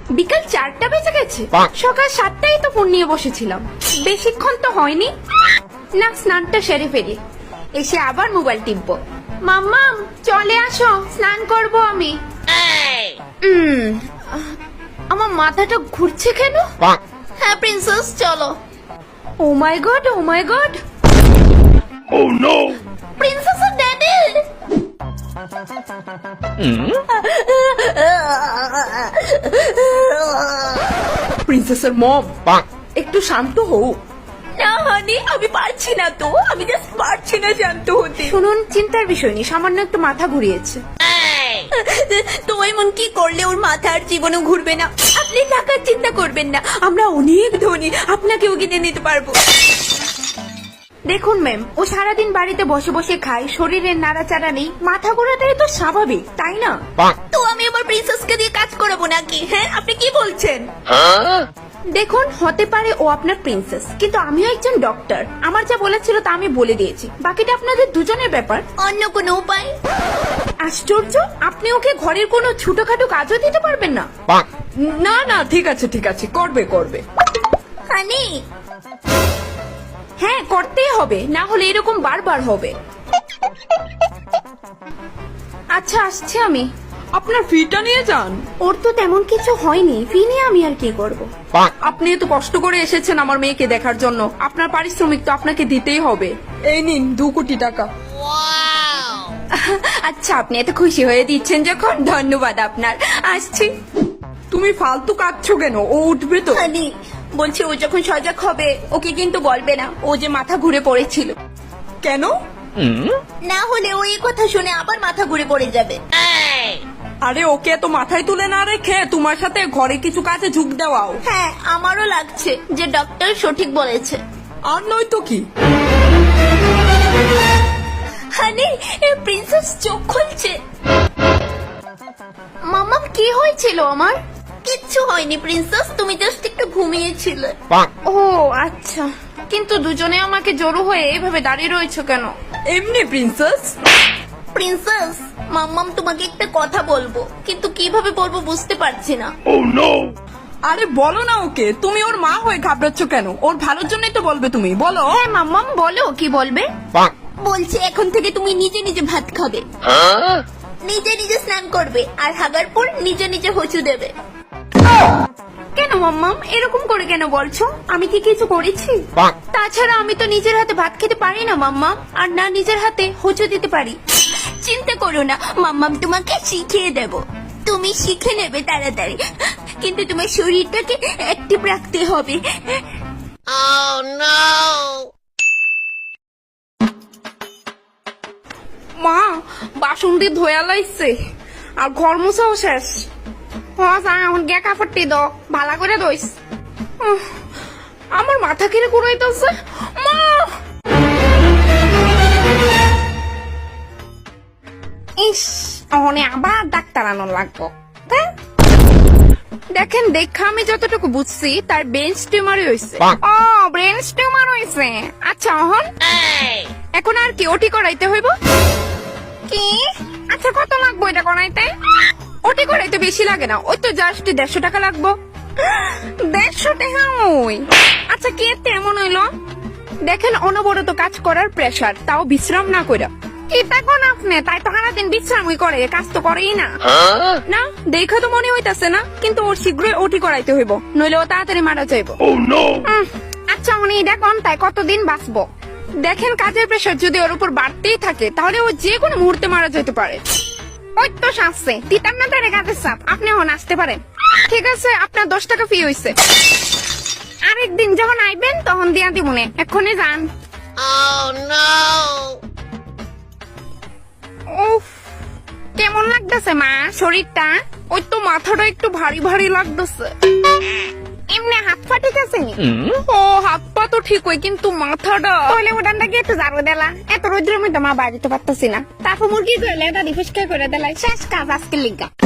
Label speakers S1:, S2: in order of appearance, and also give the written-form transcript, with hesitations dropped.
S1: বিকাল 4টা বেজে গেছে, সকাল 7টায় তো ফোন নিয়ে বসেছিলাম, বেশিক্ষণ তো হয়নি। না, স্নানটা সেরে ফেলি, এসে আবার মোবাইল টিপবো। মাম্মাম চলে আসো, স্নান করব আমি। আমার মাথাটা ঘুরছে কেন?
S2: হ্যাঁ প্রিন্সেস চলো।
S1: Oh my god, oh my god,
S3: Oh no!
S2: Princess আর ড্যাডি।
S1: প্রিন্সেসের মম, একটু শান্ত হও।
S2: না হানি, আমি পারছি না তো, আমি জাস্ট পারছি না শান্ত হতে।
S1: শুনুন, চিন্তার বিষয় নেই, সামান্য একটু মাথা ঘুরিয়েছে।
S2: তো এমন কি করলে ওর মাথা আর জীবনে ঘুরবে না? আপনি টাকার চিন্তা করবেন না,
S1: আমরা অনেক ধনী, আপনাকেও কিনে নিতে পারবো। দেখুন ম্যাম, ও সারাদিন বাড়িতে বসে বসে খায়, শরীরের নাড়াচাড়া নেই, মাথা ঘোরাটাই তো স্বাভাবিক, তাই না?
S2: তো আমি আবার প্রিন্সেসকে দিয়ে কাজ করাবো নাকি? হ্যাঁ আপনি কি বলছেন?
S1: দেখুন, হতে পারে ও আপনার প্রিন্সেস, কিন্তু আমিও একজন ডক্টর, আমার যা বলেছিল তা আমি বলে দিয়েছি, বাকিটা আপনাদের দুজনের ব্যাপার।
S2: অন্য কোনো উপায়?
S1: আশ্চর্য, আপনি ওকে ঘরের কোনো ছোটখাটো কাজও দিতে পারবেন না? না না, ঠিক আছে ঠিক আছে, করবে করবে।
S2: হানি
S1: হ্যাঁ, করতেই হবে, না হলে এরকম বারবার হবে। আচ্ছা, আসছে আমি। আপনার ফিটা নিয়ে যান। ওর তো তেমন কিছু হয়নি, ফি নিয়ে আমি আর কি করব। আপনি এত কষ্ট করে এসেছেন আমার মেয়েকে দেখার জন্য, আপনার পারিশ্রমিক তো আপনাকে দিতেই হবে। এই নিন 2 কোটি টাকা। আচ্ছা, আপনি এত খুশি হয়ে দিচ্ছেন যখন, ধন্যবাদ আপনার, আসছি। তুমি ফালতু কাঁদছো কেন? ও উঠবে তো।
S2: হানি বলছি, ও যখন সজাগ হবে ওকে কিন্তু বলবে না
S1: ও যে মাথা ঘুরে পড়েছিল। কেন?
S2: না হলে ও এই কথা শুনে আবার মাথা ঘুরে পড়ে যাবে।
S1: আরে ওকে তো মাথায় তুলে না রেখে তোমার সাথে ঘরে কিছু কাজে ঝুঁক দেওয়াও।
S2: হ্যাঁ আমারও লাগছে যে ডক্টর সঠিক বলেছে।
S1: আর নয় তো কি।
S2: হানি, প্রিন্সেস চোখ খুলছে।
S1: মামা, কি হয়েছিল আমার?
S2: কিচ্ছু হয়নি প্রিন্সেস, তুমি জাস্ট একটু ঘুমিয়েছিলে।
S1: ও আচ্ছা, কিন্তু দুজনে আমাকে জড়ো হয়ে এভাবে দাঁড়িয়ে রয়েছে কেন? এমনি প্রিন্সেস।
S2: প্রিন্সেস, মাম্মাম তোমাকে একটা কথা বলবো, কিন্তু কিভাবে বলবো বুঝতে পারছি না।
S3: Oh no!
S1: আরে বলো না ওকে, তুমি ওর মা হয়ে ঘাবড়াচ্ছ কেন? ওর ভালোর জন্যই তো বলবে, তুমি বলো। হ্যাঁ মাম্মাম, বলো, কি বলবে?
S2: বলছি এখন থেকে তুমি নিজে নিজে ভাত খাবে, নিজে নিজে স্নান করবে, আর হাগার পর নিজে নিজে হচু দেবে।
S1: কেন মাম্মাম, এরকম করে কেন বলছো? আমি কি কিছু করেছি? তাছাড়া আমি তো নিজের হাতে ভাত খেতে পারি না মাম্মা, আর না নিজের হাতে হোঁচট দিতে পারি।
S2: চিন্তা করো না, মাম্মাম তোমাকে শিখিয়ে দেব, তুমি শিখে নেবে তাড়াতাড়ি, কিন্তু তোমার শরীরটাকে অ্যাক্টিভ রাখতে হবে।
S1: মা, বাসন দিয়ে ধোয়া লাইছে, আর ঘর মুছাও শেষ। এখন গে কাপড়টি দাও, ভালো করে দইস। আমার মাথা কিরে ঘুরাইতেছে। মা, ইস, অনে আবার ডাক্তার আনার লাগবো। দেখেন, দেখা আমি যতটুকু বুঝছি তার ব্রেন টিউমারই হয়েছে। ও, ব্রেন টিউমার হয়েছে। আচ্ছা, এখন আর কি ওটি করাইতে হইব? কি? আচ্ছা, কত লাগবো এটা করাইতে? ওটি করাইতে বেশি লাগে না, ওই তো জাস্ট 150 টাকা লাগবো। 150 টাকা? ওই আচ্ছা, কি তেমন হইলো? দেখেন, অনবরত কাজ করার প্রেসার, তাও বিশ্রাম না কইরা। এটা কোন আপনি? তাই তো সারাদিন বিশ্রামই করে, কাজ তো করেই না। না, দেখা তো মনে হইতাছে না, কিন্তু ওর শীঘ্রই ওটি করাইতে হইব, নইলে ও তাড়াতাড়ি মারা যাইব।
S3: Oh no!
S1: আচ্ছা, উনি এটা কোন, তাই কতদিন বাঁচবো? দেখেন, কাজের প্রেসার যদি ওর উপর বাড়তেই থাকে তাহলে ও যে কোনো মুহূর্তে মারা যেতে পারে। ওই তো শাসছে, তিতার না তারে কাজের চাপ, আপনি এখন আসতে পারেন। ঠিক আছে, আপনার 10 টাকা ফি হইছে। আরেকদিন যখন আইবেন তখন দিয়া দিবনে, এক্ষুনি যান। উফ, কেমন লাগতেছে মা শরীরটা? ওই তো মাথাটা একটু ভারী ভারী লাগতেছে। এমনি হাত পা ঠিক আছে? ও, হাত পা তো ঠিক হয়, কিন্তু মাথাটা। তাহলে ওটানটা কি একটু ঝাড়ু দিলা? এত রোদ্রের মধ্যে মা বাড়িতে পারতেছি না, তারপর মুরগি ধরলে এটা রিফ্রেশ করে দিলাই, শেষ কাজ আজকে লিগা।